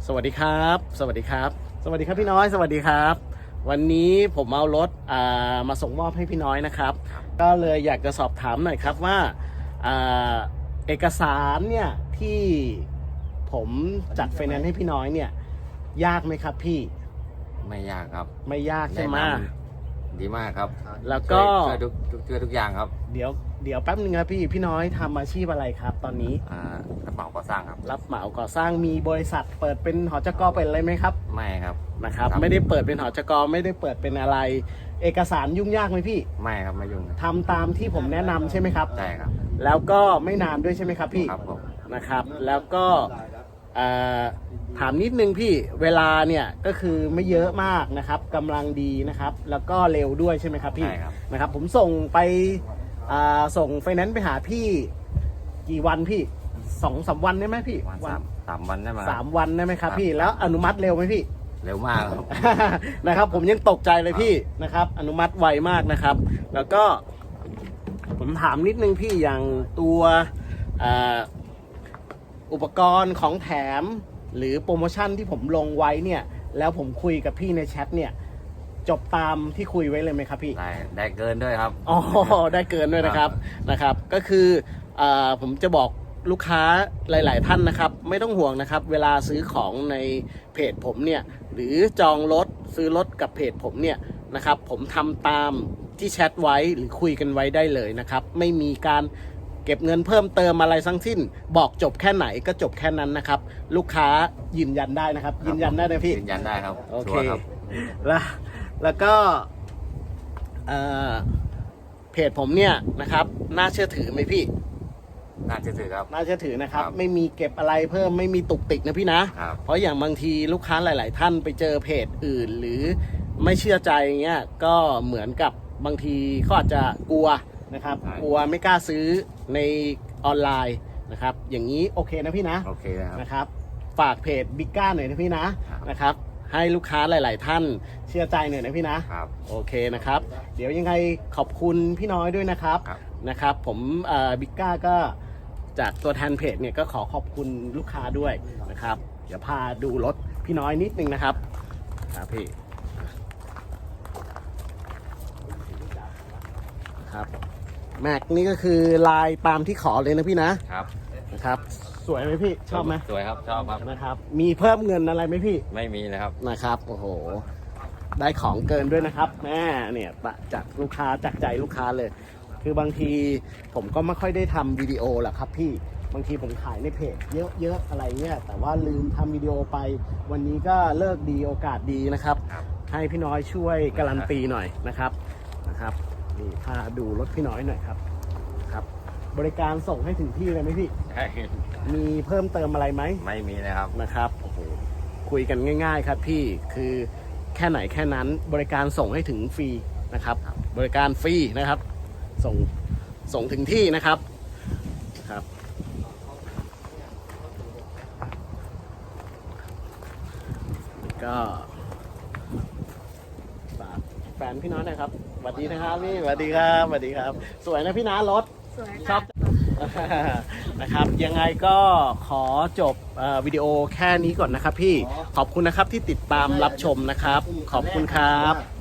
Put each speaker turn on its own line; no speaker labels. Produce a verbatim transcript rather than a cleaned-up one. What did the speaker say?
สวัสดีครับสวัสดีครับสวัสดีครับพี่น้อยสวัสดีครับวันนี้ผมเอารถามาส่งมอบให้พี่น้อยนะครับก็เลยอยากจะสอบถามหน่อยครับว่าเอกสารเนี่ยที่ผมจัดไฟแนนซ์ให้พี่น้อยเนี่ยยากไหมครับพี่
ไม่ยากครับ
ไม่ยากใช่ไหม
ดีมากครับ
แล้วก็
ช่วยทุกช่วยทุกอย่างครับ
เดี๋ยวเดี๋ยวแป๊บนึงครับพี่พี่น้อยทำอาชีพอะไรครับตอนนี้
อ่ารับเหมาก่อสร้างครับ
รับเหมาก่อสร้างมีบริษัทเปิดเป็นหอจก.เป็นอะไรไหมครับ
ไม่ครับ
นะครับไม่ได้เปิดเป็นหอจก.ไม่ได้เปิดเป็นอะไรเอกสารยุ่งยากไหมพี่
ไม่ครับไม่ยุ่ง
ทำตามที่ผมแนะนำใช่ไหมครับ
ใช่ครับ
แล้วก็ไม่นานด้วยใช่ไหมครับพี่
ครับผม
นะครับแล้วก็ถามนิดนึงพี่เวลาเนี่ยก็คือไม่เยอะมากนะครับกำลังดีนะครับแล้วก็เร็วด้วยใช่ไหมครับพี่นะครับผมส่งไปส่งไฟแนนซ์ไปหาพี่กี่วันพี่สองสามวันได้ไหมพี่
วันสามวันได้ไหม
สามวันได้ไหมครับพี่แล้วอนุมัติเร็วไหมพี่
เร็วมากครับ
นะครับผมยังตกใจเลยพี่นะครับอนุมัติไวมากนะครับแล้วก็ผมถามนิดนึงพี่อย่างตัวอุปกรณ์ของแถมหรือโปรโมชั่นที่ผมลงไว้เนี่ยแล้วผมคุยกับพี่ในแชทเนี่ยจบตามที่คุยไว้เลยไหมครับพี่
ได้ได้เกินด้วยครับ
อ๋อได้เกินด้วยนะครับนะครับก็คืออ่าผมจะบอกลูกค้าหลายๆท่านนะครับไม่ต้องห่วงนะครับเวลาซื้อของในเพจผมเนี่ยหรือจองรถซื้อรถกับเพจผมเนี่ยนะครับผมทำตามที่แชทไว้หรือคุยกันไว้ได้เลยนะครับไม่มีการเก็บเงินเพิ่มเติมอะไรทั้งสิ้นบอกจบแค่ไหนก็จบแค่นั้นนะครับลูกค้ายืนยันได้นะครับยืนยันได้นะพี่
ยืนยันได้ครับ
โอเคแล้วแล้วก็เพจผมเนี่ยนะครับน่าเชื่อถือไหมพี่
น่าเชื่อถือครับ
น่าเชื่อถือนะครับไม่มีเก็บอะไรเพิ่มไม่มีตุกติกนะพี่นะเพราะอย่างบางทีลูกค้าหลายๆท่านไปเจอเพจอื่นหรือไม่เชื่อใจเงี้ยก็เหมือนกับบางทีเขาอาจจะกลัวนะครับกลัวไม่กล้าซื้อในออนไลน์นะครับอย่างนี้โอเคนะพี่นะ
โอเค
นะครับฝากเพจบิ๊กก้าหน่อยนะพี่นะนะครับให้ลูกค้าหลายๆท่านเชื่อใจหน่อยนะพี่นะครับโอเคนะครับเดี๋ยวยังไงขอบคุณพี่น้อยด้วยนะครับนะครับผมบิ๊กก้าก็จากตัวแทนเพจเนี่ยก็ขอขอบคุณลูกค้าด้วยนะครับเดี๋ยวพาดูรถพี่น้อยนิดนึงนะครับครับพี่ครับแม็กนี่ก็คือลายตามที่ขอเลยนะพี่นะครับนะครับสวยไหมพี่ชอบไหม
สวยครับชอบครับ
นะครับมีเพิ่มเงินอะไรไหมพี่
ไม่มีนะครับ
นะครับโอ้โหได้ของเกินด้วยนะครับแม่เนี่ยจากลูกค้าจากใจลูกค้าเลยคือบางทีผมก็ไม่ค่อยได้ทำวิดีโอหรอกครับพี่บางทีผมขายในเพจเยอะๆอะไรเงี้ยแต่ว่าลืมทำวิดีโอไปวันนี้ก็เลิกดีโอกาสดีนะครับให้พี่น้อยช่วยการันตีหน่อยนะครับนะครับนี่พาดูรถพี่น้อยหน่อยครับครับบริการส่งให้ถึงที่เลยไหมพี่
ใช่
มีเพิ่มเติมอะไรไหม
ไม่มีนะครับ
นะครับโอ้โหคุยกันง่ายๆครับพี่คือแค่ไหนแค่นั้นบริการส่งให้ถึงฟรีนะครับบริการฟรีนะครับส่งส่งถึงที่นะครับครับก็ฝากแฟนพี่น้อยนะครับสวัสดีนะครับนี่สวัสดีครับสวัสดีครับสวยนะพี่น้ารถชอบนะครับยังไงก็ขอจบวิดีโอแค่นี้ก่อนนะครับพี่ขอบคุณนะครับที่ติดตามรับชมนะครับขอบคุณครับ